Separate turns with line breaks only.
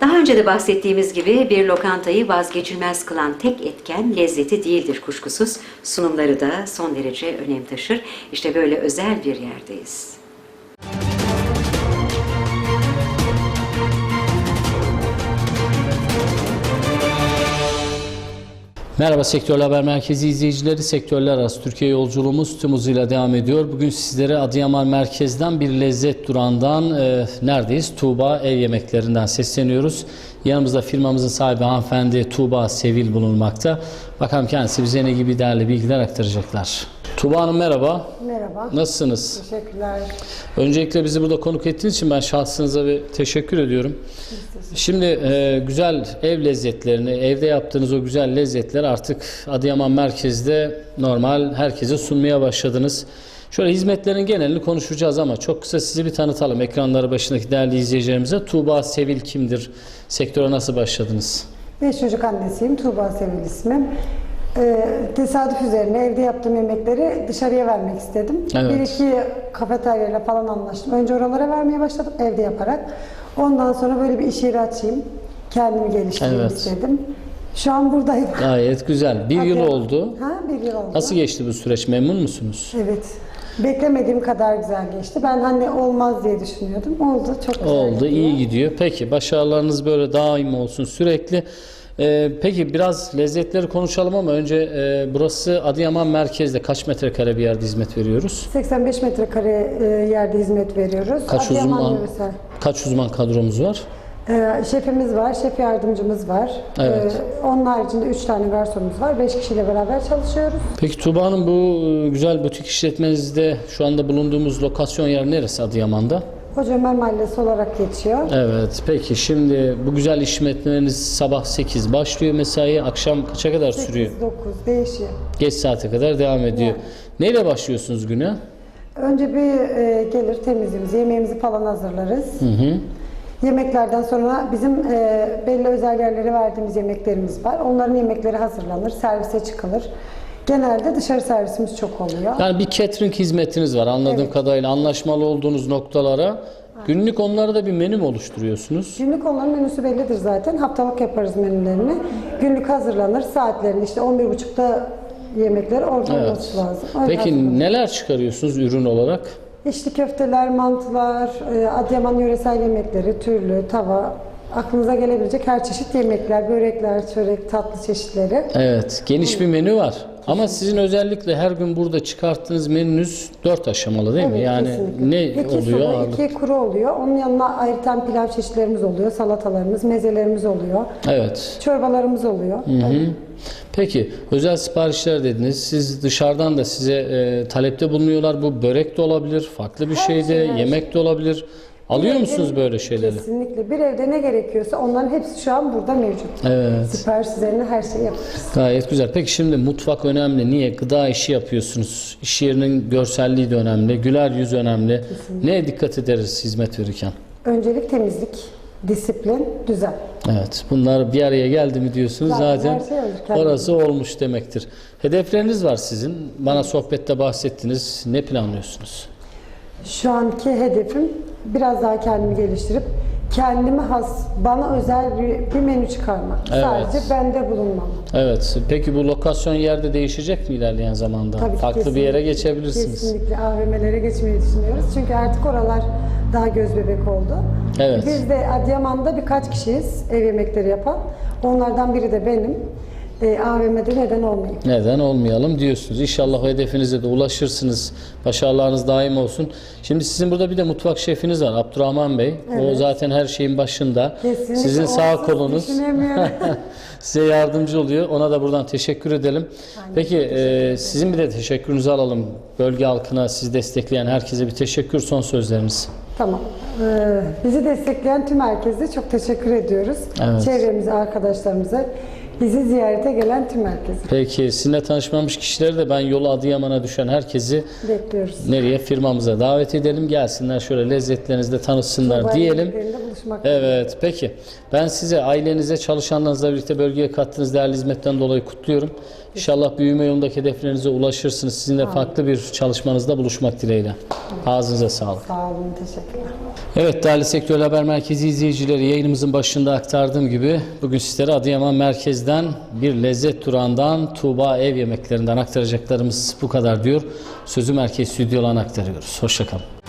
Daha önce de bahsettiğimiz gibi bir lokantayı vazgeçilmez kılan tek etken lezzeti değildir kuşkusuz. Sunumları da son derece önem taşır. İşte böyle özel bir yerdeyiz.
Merhaba Sektörler Haber Merkezi izleyicileri. Sektörler arası Türkiye yolculuğumuz tüm hızıyla devam ediyor. Bugün sizlere Adıyaman merkezden bir lezzet durağından neredeyiz? Tuğba Ev Yemeklerinden sesleniyoruz. Yanımızda firmamızın sahibi hanımefendi Tuğba Sevil bulunmakta. Bakalım kendisi bize ne gibi değerli bilgiler aktaracaklar. Tuğba Hanım merhaba.
Merhaba.
Nasılsınız?
Teşekkürler.
Öncelikle bizi burada konuk ettiğiniz için ben şahsınıza bir teşekkür ediyorum. Şimdi güzel ev lezzetlerini, evde yaptığınız o güzel lezzetleri artık Adıyaman merkezde normal herkese sunmaya başladınız. Şöyle hizmetlerin genelini konuşacağız ama çok kısa sizi bir tanıtalım ekranları başındaki değerli izleyicilerimize. Tuğba Sevil kimdir? Sektöre nasıl başladınız?
5 çocuk annesiyim. Tuğba Sevil ismim. Tesadüf üzerine evde yaptığım yemekleri dışarıya vermek istedim.
Evet.
Bir iki kafeteryayla falan anlaştım. Önce oralara vermeye başladım evde yaparak. Ondan sonra böyle bir iş yeri açayım. Kendimi geliştireyim istedim. Şu an buradayım.
Gayet güzel. Bir yıl oldu.
Bir yıl oldu.
Nasıl geçti bu süreç? Memnun musunuz?
Evet. Beklemediğim kadar güzel geçti. Ben hani olmaz diye düşünüyordum. Oldu. Çok güzel
Oldu.
gidiyor.
İyi gidiyor. Peki başarılarınız böyle daim olsun sürekli. Peki biraz lezzetleri konuşalım ama önce burası Adıyaman merkezde kaç metrekare bir yerde hizmet veriyoruz?
85 metrekare yerde hizmet veriyoruz. Adıyaman yöresel.
Kaç uzman kadromuz var?
Şefimiz var, şef yardımcımız var.
Evet.
Onun haricinde 3 tane garsonumuz var. 5 kişiyle beraber çalışıyoruz.
Peki Tuğba Hanım bu güzel butik işletmenizde şu anda bulunduğumuz lokasyon yer neresi Adıyaman'da?
Hoca Ömer Mahallesi olarak geçiyor.
Evet. Peki şimdi bu güzel işletmeniz sabah 8 başlıyor mesai, akşam kaça kadar sürüyor?
8-9 değişiyor.
Geç saate kadar devam ediyor.
Yani.
Neyle başlıyorsunuz güne?
Önce bir gelir temizliğimizi, yemeğimizi falan hazırlarız. Yemeklerden sonra bizim belli özel yerlere verdiğimiz yemeklerimiz var. Onların yemekleri hazırlanır, servise çıkılır. Genelde dışarı servisimiz çok oluyor.
Yani bir catering hizmetiniz var anladığım kadarıyla. Anlaşmalı olduğunuz noktalara. Günlük onlara da bir menü mü oluşturuyorsunuz?
Günlük onların menüsü bellidir zaten. Haftalık yaparız menülerini. Günlük hazırlanır. Saatlerini işte 11.30'da yemekler orada olması lazım. Öyle
Peki
hazırlanır.
neler çıkarıyorsunuz ürün olarak?
İçli köfteler, mantılar, Adıyaman yöresel yemekleri, türlü, tava, aklınıza gelebilecek her çeşit yemekler, börekler, çörek, tatlı çeşitleri.
Evet, geniş bir menü var. Ama sizin özellikle her gün burada çıkarttığınız menünüz 4 aşamalı değil mi? Yani
kesinlikle.
ne
2
oluyor?
sulu, 2 kuru oluyor. Onun yanına ayrıca pilav çeşitlerimiz oluyor, salatalarımız, mezelerimiz oluyor,
Evet.
çorbalarımız oluyor.
Peki özel siparişler dediniz. Siz dışarıdan da size talepte bulunuyorlar. Bu börek de olabilir, farklı bir şey de, yemek de olabilir. Alıyor musunuz böyle şeyleri?
Kesinlikle. Bir evde ne gerekiyorsa onların hepsi şu an burada mevcut.
Evet.
Sipariş üzerine her şeyi yaparız.
Gayet güzel. Peki şimdi mutfak önemli. Niye? Gıda işi yapıyorsunuz. İş yerinin görselliği de önemli. Güler yüz önemli. Neye dikkat ederiz hizmet verirken?
Öncelik temizlik, disiplin, düzen.
Evet. Bunlar bir araya geldi mi diyorsunuz zaten
her şey olur kendine.
orası olmuş demektir. Hedefleriniz var sizin. Bana sohbette bahsettiniz. Ne planlıyorsunuz?
Şu anki hedefim biraz daha kendimi geliştirip kendime has, bana özel bir menü çıkarmak.
Evet.
Sadece bende bulunmam.
Evet. Peki bu lokasyon yerde değişecek mi ilerleyen zamanda?
Tabii ki
Farklı bir yere geçebilirsiniz.
Kesinlikle AVM'lere geçmeyi düşünüyoruz. Çünkü artık oralar daha göz bebek oldu.
Evet.
Biz de Adıyaman'da birkaç kişiyiz ev yemekleri yapan. Onlardan biri de benim. AVM'de neden olmayayım?
Neden olmayalım diyorsunuz. İnşallah o hedefinize de ulaşırsınız. Başarılarınız daim olsun. Şimdi sizin burada bir de mutfak şefiniz var Abdurrahman Bey. O zaten her şeyin başında.
Kesinlikle.
Sizin sağ
Onsuz
kolunuz.
düşünemiyorum.
Size yardımcı oluyor. Ona da buradan teşekkür edelim. Peki sizin bir de teşekkürünüzü alalım. Bölge halkına sizi destekleyen herkese bir teşekkür, son sözleriniz.
Tamam. Bizi destekleyen tüm herkese çok teşekkür ediyoruz.
Evet.
Çevremize, arkadaşlarımıza, bizi ziyarete gelen tüm herkese
Peki sizinle tanışmamış kişileri de ben yolu Adıyaman'a düşen herkesi
bekliyoruz.
nereye? Firmamıza davet edelim. Gelsinler şöyle lezzetlerinizle tanışsınlar
Tuğba
diyelim.
yemeklerinde çalışmak.
Evet, peki. Ben size, ailenize, çalışanlarınızla birlikte bölgeye kattığınız değerli hizmetten dolayı kutluyorum. İnşallah büyüme yolundaki hedeflerinize ulaşırsınız. Sizinle farklı bir çalışmanızda buluşmak dileğiyle. Ağzınıza sağlık.
Sağ olun, teşekkürler.
Evet değerli Sektör Haber Merkezi izleyicileri, yayınımızın başında aktardığım gibi bugün sizlere Adıyaman merkezden bir lezzet durağından Tuğba Ev Yemeklerinden aktaracaklarımız bu kadar diyor. Sözü merkez stüdyolarına aktarıyoruz. Hoşça kalın.